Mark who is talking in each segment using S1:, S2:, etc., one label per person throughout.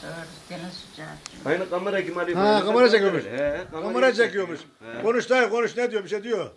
S1: Doğru, gene sıcak.
S2: Aynı kamera kim arıyor?
S3: Ha, kamera çekiyormuş.
S2: He,
S3: Kamera çekiyormuş.
S2: He.
S3: Konuş dayı konuş, ne diyor, bir şey diyor.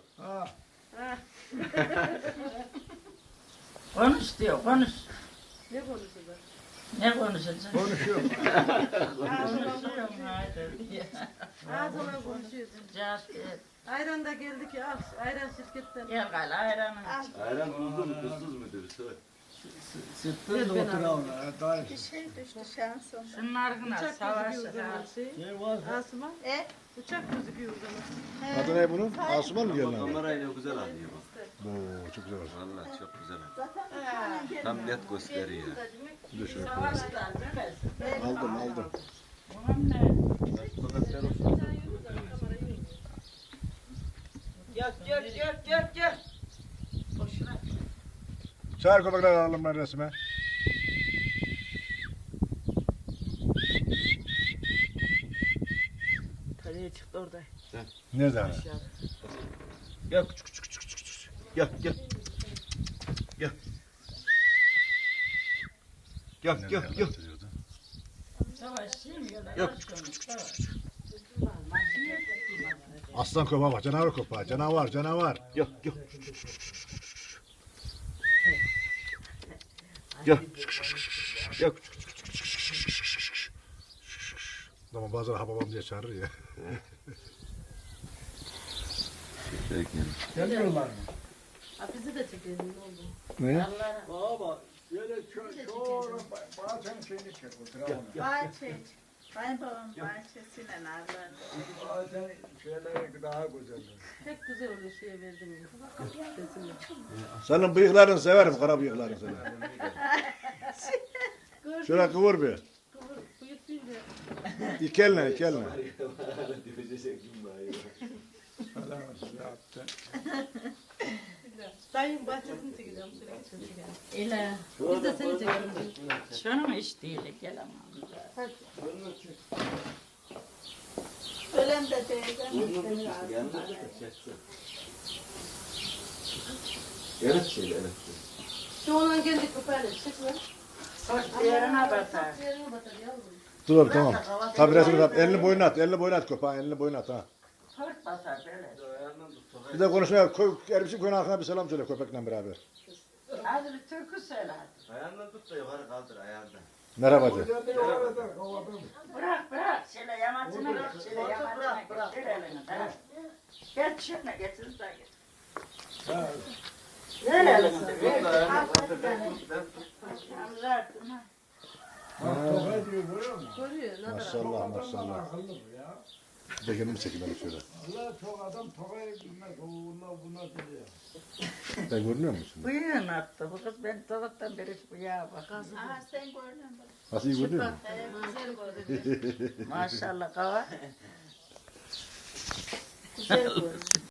S1: Konuş diyor, konuş.
S4: Ne konuşuyorlar?
S1: Ne konuşacaksın?
S3: Konuşuyor.
S1: Konuşuyorum haydi diye.
S4: Ağzına konuşuyorsun.
S1: Sıcak değil.
S4: Ayran da geldi ki al. Ayran şirketten.
S1: Gel gel ayranı.
S2: Ayran tuzlu mu tuzsuz mudur? Söyle.
S5: Sıttı da oturalım.
S6: Bir şey düştü şansım.
S1: Şunlarına
S4: Uçak
S1: savaşı
S4: gözüküyor o zaman
S1: ha.
S4: şey.
S5: Ne var?
S4: Asuman. Uçak gözüküyor o zaman.
S3: Adı ne bunun? Asuman mı diyor lan?
S2: Kamerayla güzel alıyor bak.
S3: Oo, çok güzel oldu.
S2: Vallahi çok güzel alıyor. Tam net gösteriyor.
S3: Dur şöyle.
S1: Savaşlar böylesin.
S3: Aldım.
S1: Bunun ne?
S2: Sokaklar olsun.
S1: Gel. Boşuna.
S3: Çağır köpekler alalım ben resme.
S4: Kaleye çıktı orada.
S3: Nerede hani?
S2: Gel küçük. Gel. Gel.
S1: Savaşçıyım ya.
S2: Yok,
S3: Aslan köpeği bak, canavar köpeği. Canavar.
S2: Gel. Gel.
S3: Ama bazen hababam diye çağırır ya.
S5: Gelmiyorlar mı?
S4: Ha, bizi de çekelim ne oldu?
S3: Ne?
S5: Baba şöyle çoğu bazen şeyini çek oturalım.
S6: Bahçe. Kayınbabam bahçesine narlar.
S5: Bazen şeyler daha güzel.
S4: Pek güzel oluyor şeye verdim. Resimle.
S3: Senin bıyıklarını severim, kara bıyıklarını severim. Şöyle kıvır bir.
S4: Buyur bir de.
S3: İki eline.
S5: Adam size attı.
S4: Dayım bahçesini çekeceğim. Şöyle geçelim.
S1: İle.
S4: Biz de seni çekelim.
S1: Şunu mu iş değil gelemem.
S6: Ölen de teyzem.
S2: Evet.
S4: Şu olan geldik köpeğle. Çıkma.
S1: Yerine batar.
S4: Yerine batar yavrum.
S3: Dur tamam. Tabi resmi tap. Elini boyuna at köpeğin, elini boyuna at ha.
S1: Fırt basar böyle.
S3: Bir de konuşmaya koy, Ermiş'in köyün halkına bir selam söyle köpekle beraber.
S1: Hadi bir türkü söyle hadi.
S2: Ayağından tut da yukarı kaldır ayağından.
S3: Merhaba de.
S5: Güzel orada kovaladım.
S1: Bırak. Şöyle yamacına git. Şöyle yamacına git. Şöyle elini. Bırak. Geç şuna getir de git.
S5: Ha,
S1: Ver elini de. Ver.
S5: bak toka diyor görüyor musun?
S4: Görüyor. Ne kadar.
S3: Maşallah.
S5: Akıllı bu ya.
S3: Bir de kendimi çekeyim ben şöyle.
S5: Allah çok adam tokayı bilmez. Buna diyor.
S3: Ben görünüyor musun?
S1: Bıyığını attı. Bu kız ben sabahtan beri şu bıyığa bak.
S6: Aha sen gördün mü?
S3: Nasıl iyi görünüyor mu?
S4: Güzel görüyor.
S1: Maşallah kava.
S4: Güzel görüyor.